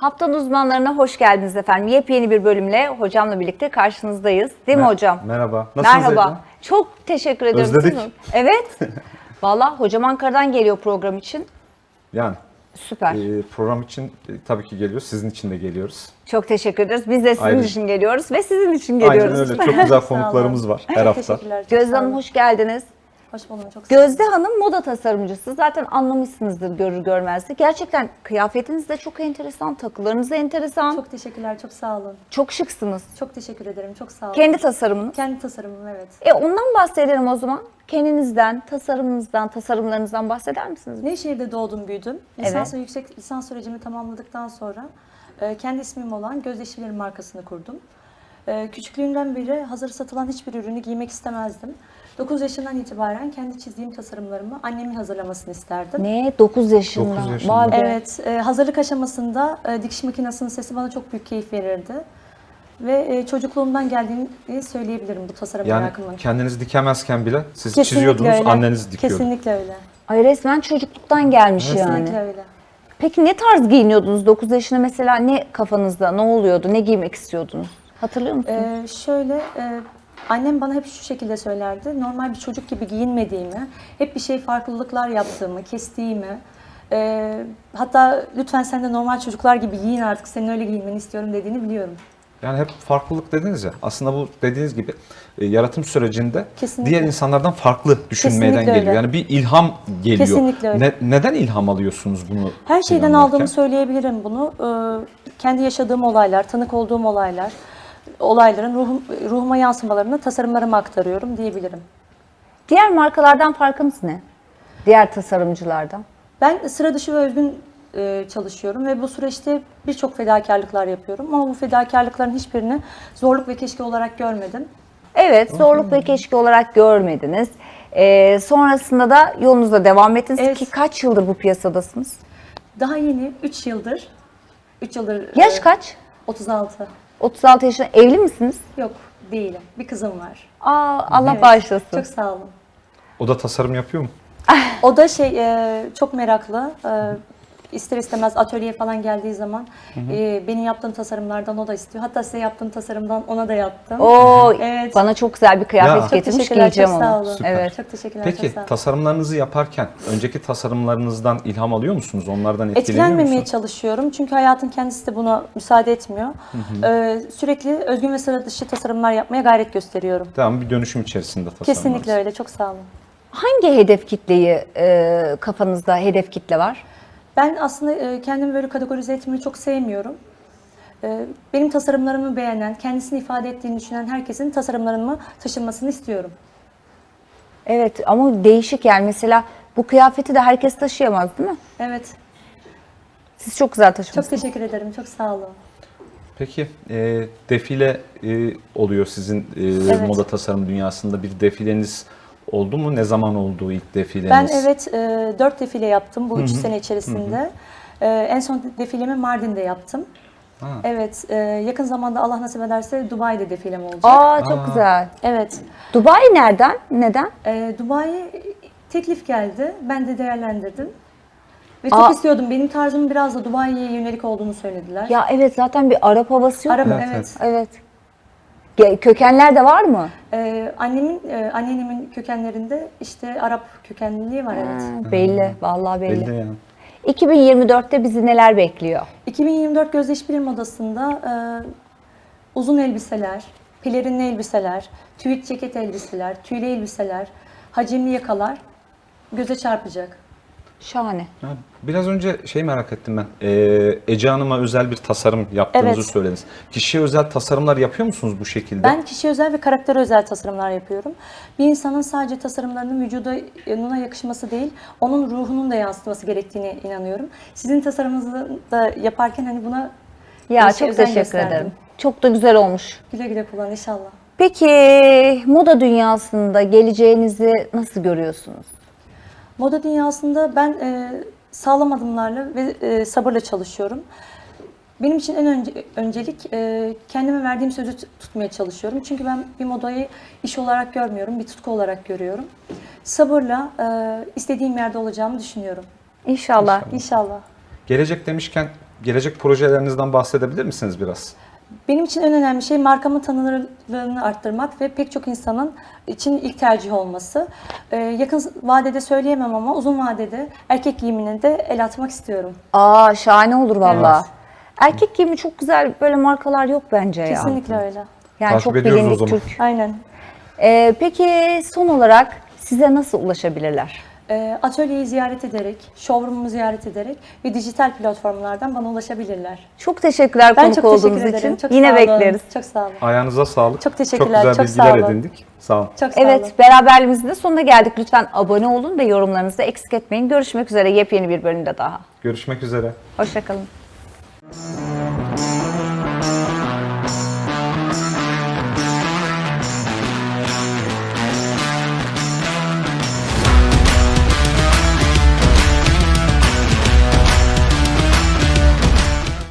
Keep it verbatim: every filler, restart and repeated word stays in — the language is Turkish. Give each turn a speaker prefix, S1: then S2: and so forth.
S1: Haftanın uzmanlarına hoş geldiniz efendim. Yepyeni bir bölümle hocamla birlikte karşınızdayız. Değil mi
S2: Mer
S1: hocam?
S2: Merhaba. Nasılsınız?
S1: Merhaba.
S2: Eda?
S1: Çok teşekkür ediyorum.
S2: Özledik.
S1: Siz- Evet. Valla hocam Ankara'dan geliyor program için.
S2: Yani
S1: Süper.
S2: e, program için e, tabii ki geliyoruz. Sizin için de geliyoruz.
S1: Çok teşekkür ederiz. Biz de sizin
S2: Ayrıca-
S1: için geliyoruz ve sizin için geliyoruz.
S2: Aynen öyle. Çok güzel konuklarımız var her hafta.
S3: Teşekkürler. çok
S1: Gözde
S3: sağ
S1: Hanım
S3: olun.
S1: hoş geldiniz.
S3: Hoş buldum. Çok sağ olun.
S1: Gözde Hanım moda tasarımcısı. Zaten anlamışsınızdır görür görmez de. Gerçekten kıyafetiniz de çok enteresan, takılarınız da enteresan. Çok,
S3: Çok teşekkürler. Çok sağ olun.
S1: şıksınız.
S3: Çok teşekkür ederim. Çok sağ olun.
S1: Kendi tasarımınız.
S3: Kendi tasarımım, evet.
S1: E ondan bahsedelim o zaman. Kendinizden, tasarımınızdan, tasarımlarınızdan bahseder misiniz?
S3: Nevşehir'de doğdum, büyüdüm. Lisans ve yüksek lisans sürecimi tamamladıktan sonra e, kendi ismim olan Gözde İşçilerim markasını kurdum. E, küçüklüğümden beri hazır satılan hiçbir ürünü giymek istemezdim. dokuz yaşından itibaren kendi çizdiğim tasarımlarımı annemin hazırlamasını isterdim.
S1: Ne? dokuz yaşında.
S2: dokuz yaşında.
S1: Vay be.
S3: Evet, e, hazırlık aşamasında e, dikiş makinesinin sesi bana çok büyük keyif verirdi. Ve e, çocukluğumdan geldiğini söyleyebilirim bu tasarım
S2: Yani
S3: merakımın.
S2: kendiniz dikemezken bile siz
S3: Kesinlikle
S2: çiziyordunuz,
S3: öyle.
S2: anneniz dikiyordu.
S3: Kesinlikle öyle.
S1: Ay resmen çocukluktan gelmiş
S3: Kesinlikle
S1: yani.
S3: öyle.
S1: Peki ne tarz giyiniyordunuz dokuz yaşında mesela, ne kafanızda ne oluyordu, ne giymek istiyordunuz? Hatırlıyor musunuz?
S3: Ee, şöyle, e, annem bana hep şu şekilde söylerdi. Normal bir çocuk gibi giyinmediğimi, hep bir şey farklılıklar yaptığımı, kestiğimi, e, hatta lütfen sen de normal çocuklar gibi giyin artık, senin öyle giyinmeni istiyorum dediğini biliyorum.
S2: Yani hep farklılık dediniz ya. Aslında bu dediğiniz gibi e, yaratım sürecinde
S3: Kesinlikle.
S2: diğer insanlardan farklı düşünmeden
S3: Kesinlikle
S2: geliyor.
S3: öyle.
S2: Yani bir ilham geliyor.
S3: Kesinlikle öyle.
S2: Ne- neden ilham alıyorsunuz bunu?
S3: Her şeyden
S2: planlarken?
S3: aldığımı söyleyebilirim bunu. Ee, kendi yaşadığım olaylar, tanık olduğum olaylar, olayların ruhum, ruhuma yansımalarını tasarımlarıma aktarıyorum diyebilirim.
S1: Diğer markalardan farkınız ne? Diğer tasarımcılardan.
S3: Ben sıra dışı ve özgün e, çalışıyorum ve bu süreçte birçok fedakarlıklar yapıyorum. Ama bu fedakarlıkların hiçbirini zorluk ve keşke olarak görmedim.
S1: Evet, zorluk ve keşke olarak görmediniz. Ee, sonrasında da yolunuza devam ettiniz
S3: Evet.
S1: ki kaç yıldır bu piyasadasınız?
S3: Daha yeni üç yıldır, üç yıldır...
S1: Yaş
S3: e,
S1: kaç?
S3: otuz altı.
S1: otuz altı yaşında, evli misiniz?
S3: Yok, değilim. Bir kızım var.
S1: Aa, Allah
S3: Evet,
S1: bağışlasın.
S3: Çok sağ olun.
S2: O da tasarım yapıyor mu?
S3: O da şey e, çok meraklı. E, ister istemez atölyeye falan geldiği zaman e, benim yaptığım tasarımlardan o da istiyor. Hatta size yaptığım tasarımdan ona da yaptım.
S1: Oo,
S3: Evet.
S1: bana çok güzel bir kıyafet
S2: Ya.
S3: Çok
S1: getirmiş,
S3: teşekkürler,
S1: giyeceğim
S3: çok sağ
S1: onu.
S3: olun.
S2: Süper.
S1: Evet.
S3: Çok teşekkürler,
S2: Peki
S3: çok sağ olun.
S2: tasarımlarınızı yaparken önceki tasarımlarınızdan ilham alıyor musunuz? Onlardan etkileniyor
S3: Etkilenmemeye
S2: musunuz?
S3: çalışıyorum çünkü hayatın kendisi de buna müsaade etmiyor. Ee, sürekli özgün ve sıra dışı tasarımlar yapmaya gayret gösteriyorum.
S2: Tamam, bir dönüşüm içerisinde tasarımlarınız.
S3: Kesinlikle öyle, çok sağ olun.
S1: Hangi hedef kitleyi e, kafanızda hedef kitle var?
S3: Ben aslında e, kendimi böyle kategorize etmeyi çok sevmiyorum. E, benim tasarımlarımı beğenen, kendisini ifade ettiğini düşünen herkesin tasarımlarımı taşınmasını istiyorum.
S1: Evet ama değişik yani, mesela bu kıyafeti de herkes taşıyamaz değil mi?
S3: Evet,
S1: Siz çok güzel
S3: çok
S1: taşımışsınız.
S3: teşekkür ederim, çok sağ olun.
S2: Peki e, defile e, oluyor sizin e,
S3: Evet.
S2: moda tasarım dünyasında, bir defileniz oldu mu? Ne zaman oldu ilk defileniz?
S3: Ben evet e, dört defile yaptım bu üç sene içerisinde. E, en son defilemi Mardin'de yaptım.
S2: Ha.
S3: Evet, e, yakın zamanda Allah nasip ederse Dubai'de defilem olacak.
S1: Aa çok
S2: Aa.
S1: güzel.
S3: Evet,
S1: Dubai nereden? Neden?
S3: e, Dubai teklif geldi, ben de değerlendirdim. Ve çok
S1: Aa.
S3: istiyordum, benim tarzımın biraz da Dubai'ye yönelik olduğunu söylediler.
S1: Ya evet, zaten bir Arap havası yok
S3: Arap,
S1: mu?
S2: Evet,
S3: evet.
S1: Evet. Ge- Kökenler de var mı?
S3: E, annemin, e, anneannemin kökenlerinde işte Arap kökenliliği var, evet.
S1: Ha, belli, vallahi belli.
S2: Belli yani.
S1: iki bin yirmi dörtte bizi neler bekliyor?
S3: iki bin yirmi dört Gözde İşbirliği Modası'nda e, uzun elbiseler, pelerinli elbiseler, tüyt ceket elbiseler, tüylü elbiseler, hacimli yakalar göze çarpacak.
S1: Şahane.
S2: Ya, biraz önce şey merak ettim ben. Ee, Ece Hanım'a özel bir tasarım yaptığınızı
S3: Evet.
S2: söylediniz. Kişiye özel tasarımlar yapıyor musunuz bu şekilde?
S3: Ben kişiye özel ve karaktere özel tasarımlar yapıyorum. Bir insanın sadece tasarımlarının vücuduna yakışması değil, onun ruhunun da yansıtması gerektiğine inanıyorum. Sizin tasarımınızı da yaparken hani buna
S1: Ya
S3: işe
S1: çok
S3: özen
S1: teşekkür
S3: gösterdim.
S1: ederim. Çok da güzel olmuş.
S3: Güle güle kullan inşallah.
S1: Peki moda dünyasında geleceğinizi nasıl görüyorsunuz?
S3: Moda dünyasında ben e, sağlam adımlarla ve e, sabırla çalışıyorum. Benim için en önce, öncelik e, kendime verdiğim sözü t- tutmaya çalışıyorum. Çünkü ben bir modayı iş olarak görmüyorum, bir tutku olarak görüyorum. Sabırla e, istediğim yerde olacağımı düşünüyorum.
S1: İnşallah.
S3: İnşallah.
S2: Gelecek demişken gelecek projelerinizden bahsedebilir misiniz biraz?
S3: Benim için en önemli şey markamın tanınırlığını arttırmak ve pek çok insanın için ilk tercih olması. Ee, yakın vadede söyleyemem ama uzun vadede erkek giyimine de el atmak istiyorum.
S1: Aa, şahane olur valla.
S2: Evet.
S1: Erkek giyimi çok güzel böyle markalar yok bence ya.
S3: Kesinlikle öyle.
S1: Yani
S2: Takip
S1: çok
S2: ediyoruz o
S1: bilindik
S2: zaman.
S1: Türk.
S3: Aynen.
S1: Ee, peki son olarak size nasıl ulaşabilirler?
S3: Ee, atölyeyi ziyaret ederek, showroom'umu ziyaret ederek ve dijital platformlardan bana ulaşabilirler.
S1: Çok teşekkürler
S3: Ben
S1: konuk
S3: çok
S1: olduğunuz
S3: teşekkür ederim.
S1: için.
S3: Çok
S1: Yine
S3: sağ olun.
S1: bekleriz.
S3: Çok sağ olun.
S2: Ayağınıza sağlık.
S3: Çok teşekkürler,
S2: Çok güzel
S3: çok
S2: bilgiler
S3: sağ olun.
S2: edindik. Sağ olun.
S3: Çok sağ olun.
S1: Evet, beraberliğimizin de sonuna geldik. Lütfen abone olun ve yorumlarınızı da eksik etmeyin. Görüşmek üzere yepyeni bir bölümde daha.
S2: Görüşmek üzere.
S1: Hoşçakalın.